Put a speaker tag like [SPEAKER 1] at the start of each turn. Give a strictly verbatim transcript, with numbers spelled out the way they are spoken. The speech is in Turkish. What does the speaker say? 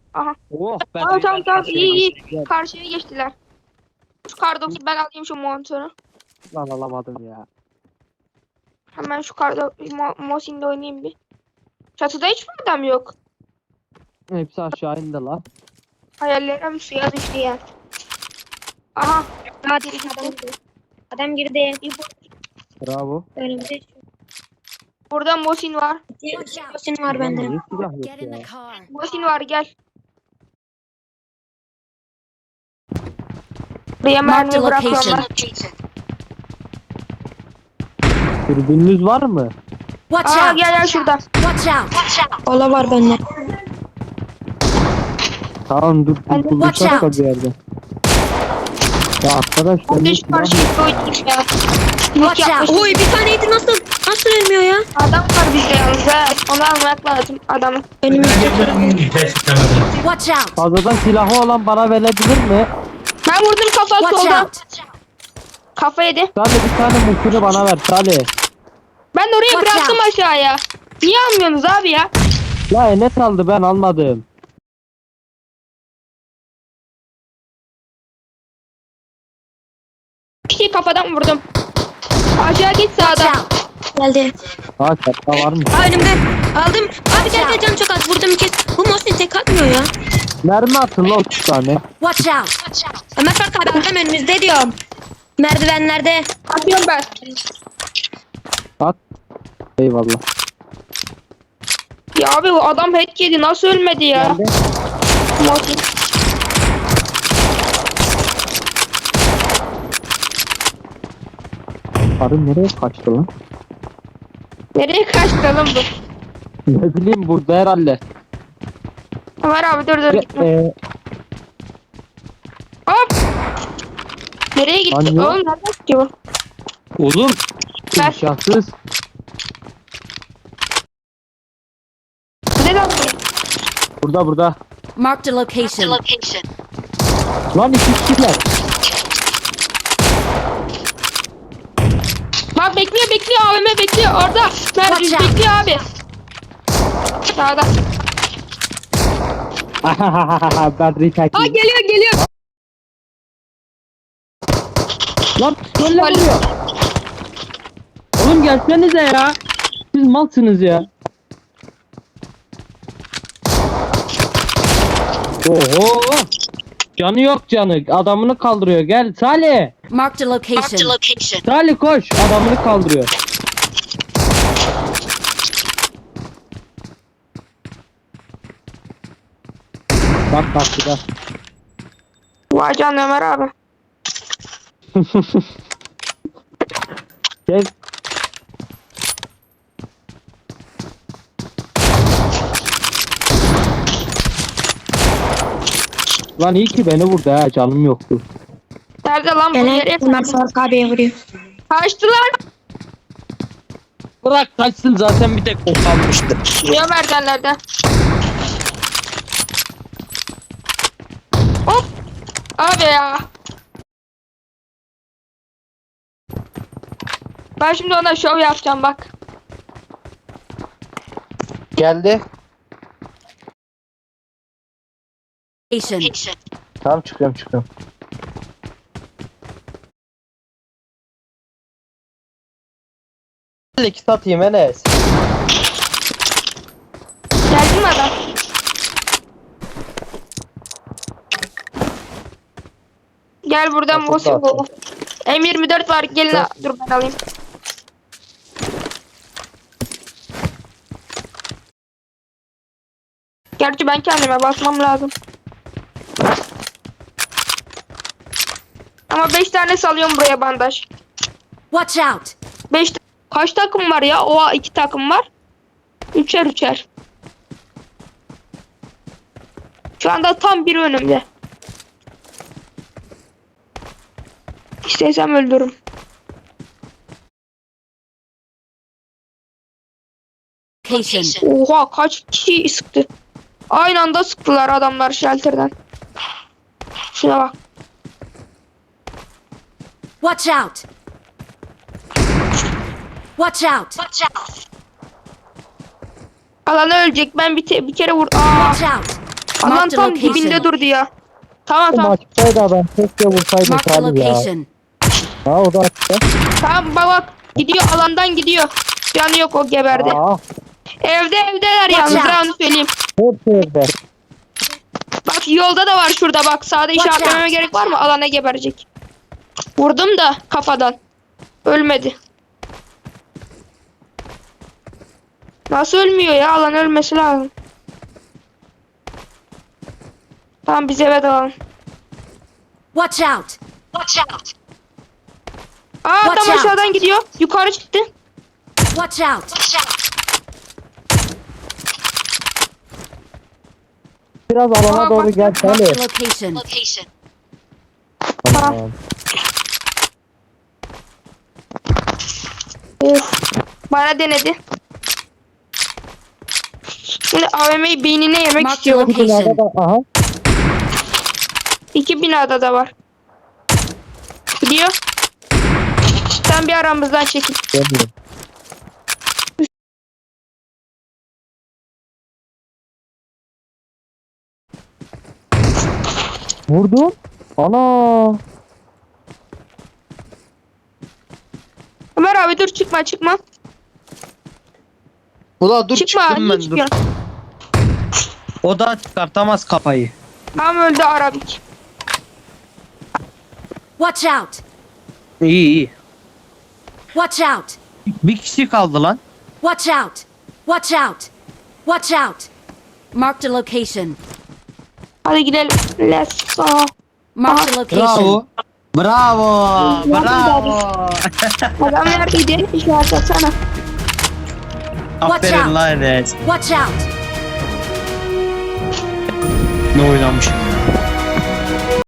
[SPEAKER 1] Aha.
[SPEAKER 2] Oh ben
[SPEAKER 1] Tamam tamam tamam
[SPEAKER 2] karşıya
[SPEAKER 1] iyi iyi.
[SPEAKER 2] geçtim.
[SPEAKER 1] Karşıya geçtiler. Şu kar dokuz ben alayım şu monitörü.
[SPEAKER 2] Lan alamadım ya.
[SPEAKER 1] Hemen şu karda Mo Mosin'de oynayayım bir. Çatıda hiç mi adam yok?
[SPEAKER 2] Hepsi aşağı indi lan.
[SPEAKER 1] Hayallerim suya düştü ya. Aha.
[SPEAKER 3] Hadi adam girdi. Adam girdi.
[SPEAKER 2] Bravo.
[SPEAKER 3] Önümüzde
[SPEAKER 1] Burada Mosin var.
[SPEAKER 3] Mosin var
[SPEAKER 2] Lan
[SPEAKER 3] bende.
[SPEAKER 2] niye silah yok
[SPEAKER 4] Get in
[SPEAKER 2] ya?
[SPEAKER 4] the car.
[SPEAKER 1] Mosin var gel. Buraya
[SPEAKER 4] Mark the
[SPEAKER 1] mermi bırakıyorum
[SPEAKER 4] location.
[SPEAKER 1] ben.
[SPEAKER 2] Dürbününüz var mı?
[SPEAKER 4] Watch
[SPEAKER 1] Aa
[SPEAKER 4] out!
[SPEAKER 1] gel gel şurada.
[SPEAKER 4] Watch out!
[SPEAKER 3] Ola var bende.
[SPEAKER 2] Tamam dur
[SPEAKER 1] Ben de-
[SPEAKER 2] dur bulacağız
[SPEAKER 4] Watch
[SPEAKER 2] da
[SPEAKER 4] out.
[SPEAKER 2] bir yerde. Ya arkadaş
[SPEAKER 1] Ben
[SPEAKER 2] ben
[SPEAKER 1] de
[SPEAKER 2] de
[SPEAKER 1] şu
[SPEAKER 2] silah
[SPEAKER 1] karşıya
[SPEAKER 2] yok.
[SPEAKER 1] koydum ya.
[SPEAKER 4] Watch out!
[SPEAKER 3] Oy bir taneydi nasıl? Nasıl ölmüyor ya?
[SPEAKER 1] Adam var bizde yalnız ha. Onu almak lazım adamı.
[SPEAKER 3] Önümüzde.
[SPEAKER 4] Watch out!
[SPEAKER 2] Fazladan silahı olan bana verebilir mi?
[SPEAKER 1] Ben vurdum kafa
[SPEAKER 4] Watch
[SPEAKER 1] soldan.
[SPEAKER 4] out!
[SPEAKER 2] Salih
[SPEAKER 1] Kafa yedi.
[SPEAKER 2] bir tane mümkünü bana ver Salih.
[SPEAKER 1] Ben de oraya
[SPEAKER 4] Watch
[SPEAKER 1] bıraktım
[SPEAKER 4] out.
[SPEAKER 1] aşağıya. Niye almıyorsunuz abi ya?
[SPEAKER 2] La Enes aldı ben almadım.
[SPEAKER 1] Bir şey kafadan vurdum. Aşağı git
[SPEAKER 4] Watch
[SPEAKER 1] sağdan.
[SPEAKER 4] out!
[SPEAKER 3] Geldi.
[SPEAKER 2] Ha çatta var mı?
[SPEAKER 3] Aa önümde. Aldım. Abi gel gel canım çok az. Vurdum kes. Bu Mosin tek atmıyor ya.
[SPEAKER 2] Mermi atın la otuz tane.
[SPEAKER 4] Watch out!
[SPEAKER 3] Ömer Fark abi adam önümüzde diyorum. Merdivenlerde.
[SPEAKER 1] Atıyorum ben.
[SPEAKER 2] At. Eyvallah.
[SPEAKER 1] Ya abi o adam head yedi. Nasıl ölmedi ya?
[SPEAKER 2] Geldi.
[SPEAKER 1] Mosin.
[SPEAKER 2] Karı nereye kaçtı lan?
[SPEAKER 1] Nereye kaçtı lan bu?
[SPEAKER 2] Ne bileyim burada herhalde.
[SPEAKER 1] Ömer abi dur dur gitme.
[SPEAKER 2] Ee,
[SPEAKER 1] Hop. Nereye gitti?
[SPEAKER 2] Lan yok.
[SPEAKER 1] Oğlum nereden gidiyor?
[SPEAKER 2] oğlum.
[SPEAKER 1] Ver.
[SPEAKER 2] İmkansız.
[SPEAKER 1] Ne lan?
[SPEAKER 2] Burada burada.
[SPEAKER 4] Marked a location.
[SPEAKER 2] Lan iki kişiler.
[SPEAKER 1] Bak bekliyor bekliyor A V M bekliyor orada. Mert
[SPEAKER 4] Watch out.
[SPEAKER 1] bekliyor abi. Sağda.
[SPEAKER 2] ben retake.
[SPEAKER 1] Aa geliyor geliyor.
[SPEAKER 2] Lan böyle vuruyor. Oğlum gelsenize ya. Siz malsınız ya. Oho. Canı yok canı. Adamını kaldırıyor. Gel Salih.
[SPEAKER 4] Marked a location.
[SPEAKER 2] Salih koş. Adamını kaldırıyor. Bak bak bir de.
[SPEAKER 1] Vay canına Ömer abi.
[SPEAKER 2] Gel. Lan iyi ki beni vurdu ha. Canım yoktu.
[SPEAKER 1] Nerede lan bu?
[SPEAKER 3] Gene
[SPEAKER 1] Nereye
[SPEAKER 3] Ömer Fark abiye vuruyor.
[SPEAKER 1] kaçtılar?
[SPEAKER 2] Bırak kaçsın zaten bir tek o kalmıştı.
[SPEAKER 1] Ya merdivenlerden. Hop. Abi ya. Ben şimdi ona şov yapacağım bak.
[SPEAKER 2] Geldi.
[SPEAKER 4] Location.
[SPEAKER 2] Tamam çıkıyorum çıkıyorum. İki satayım Enes.
[SPEAKER 1] Geldi mi adam? Gel buradan
[SPEAKER 2] Nasıl
[SPEAKER 1] bosu
[SPEAKER 2] dağıtın?
[SPEAKER 1] bu. M yirmi dört var gelin
[SPEAKER 2] Dur.
[SPEAKER 1] dur ben alayım. Gerçi ben kendime basmam lazım. Ama beş tane salıyorum buraya bandaj.
[SPEAKER 4] Watch out!
[SPEAKER 1] beş kaç takım var ya? Oha iki takım var. Üçer üçer. Şu anda tam biri önümde. İstesem öldürürüm.
[SPEAKER 4] Location.
[SPEAKER 1] Oha kaç kişi sıktı. Aynı anda sıktılar adamlar shelter'dan. Şuna bak.
[SPEAKER 4] Watch out! Watch out!
[SPEAKER 1] Alan ölecek. Ben bir, te- bir kere vur. Aa,
[SPEAKER 4] Watch out!
[SPEAKER 1] Alan
[SPEAKER 4] Marked
[SPEAKER 1] tam
[SPEAKER 4] location.
[SPEAKER 1] dibinde durdu ya. Tamam
[SPEAKER 2] Bu
[SPEAKER 1] tamam.
[SPEAKER 2] açıktaydı adam. Keşke vursaydı
[SPEAKER 4] Marked a
[SPEAKER 2] Salih ya.
[SPEAKER 4] location.
[SPEAKER 2] Ha o da açıkta.
[SPEAKER 1] Tamam bak bak. Gidiyor alandan gidiyor. Canı yok o geberdi.
[SPEAKER 2] Aa,
[SPEAKER 1] Evde evdeler yalnız
[SPEAKER 4] Watch
[SPEAKER 1] ben
[SPEAKER 4] out.
[SPEAKER 1] onu söyleyeyim.
[SPEAKER 2] hepsi evde.
[SPEAKER 1] Bak yolda da var şurada bak. Sağda
[SPEAKER 4] Watch
[SPEAKER 1] işaretlememe
[SPEAKER 4] out.
[SPEAKER 1] gerek var mı? Alana geberecek. Vurdum da kafadan. Ölmedi. Nasıl ölmüyor ya? Alan ölmesi lazım. Tamam biz eve dalalım.
[SPEAKER 4] Watch out.
[SPEAKER 1] Aa
[SPEAKER 4] Watch
[SPEAKER 1] adam
[SPEAKER 4] out.
[SPEAKER 1] aşağıdan gidiyor. Yukarı çıktı.
[SPEAKER 4] Watch out.
[SPEAKER 2] Biraz alana
[SPEAKER 1] Aa,
[SPEAKER 2] doğru
[SPEAKER 1] bak,
[SPEAKER 2] gel
[SPEAKER 1] bak,
[SPEAKER 2] Salih.
[SPEAKER 4] Marked a location.
[SPEAKER 2] Tamam.
[SPEAKER 1] Of. Bana denedi. Şimdi A V M'yi beynine yemek
[SPEAKER 4] Marked
[SPEAKER 1] istiyor.
[SPEAKER 2] Bu binada
[SPEAKER 4] location.
[SPEAKER 2] da aha.
[SPEAKER 1] İki binada da var. Gidiyor. Sen bir aramızdan çekil.
[SPEAKER 2] Geliyor. Vurdum. Ana.
[SPEAKER 1] Ömer abi dur çıkma çıkma.
[SPEAKER 5] Ula dur
[SPEAKER 1] Çıkma.
[SPEAKER 5] çıktım
[SPEAKER 1] Niye
[SPEAKER 5] ben dur.
[SPEAKER 1] çıkıyorsun?
[SPEAKER 5] O da çıkartamaz kafayı.
[SPEAKER 1] Tam öldü Arabik.
[SPEAKER 4] Watch out.
[SPEAKER 5] İyi iyi.
[SPEAKER 4] Watch out.
[SPEAKER 5] Bir kişi kaldı lan.
[SPEAKER 4] Watch out. Watch out. Watch out. Marked a location.
[SPEAKER 1] Hadi gidelim. Let's go.
[SPEAKER 4] Marked a location.
[SPEAKER 5] Bravo. Bravo. Bravo.
[SPEAKER 1] Adam neredeydi? İşaret atsana.
[SPEAKER 5] Aferin
[SPEAKER 4] out.
[SPEAKER 5] lan Enes.
[SPEAKER 4] Watch out.
[SPEAKER 5] Ne oynamış.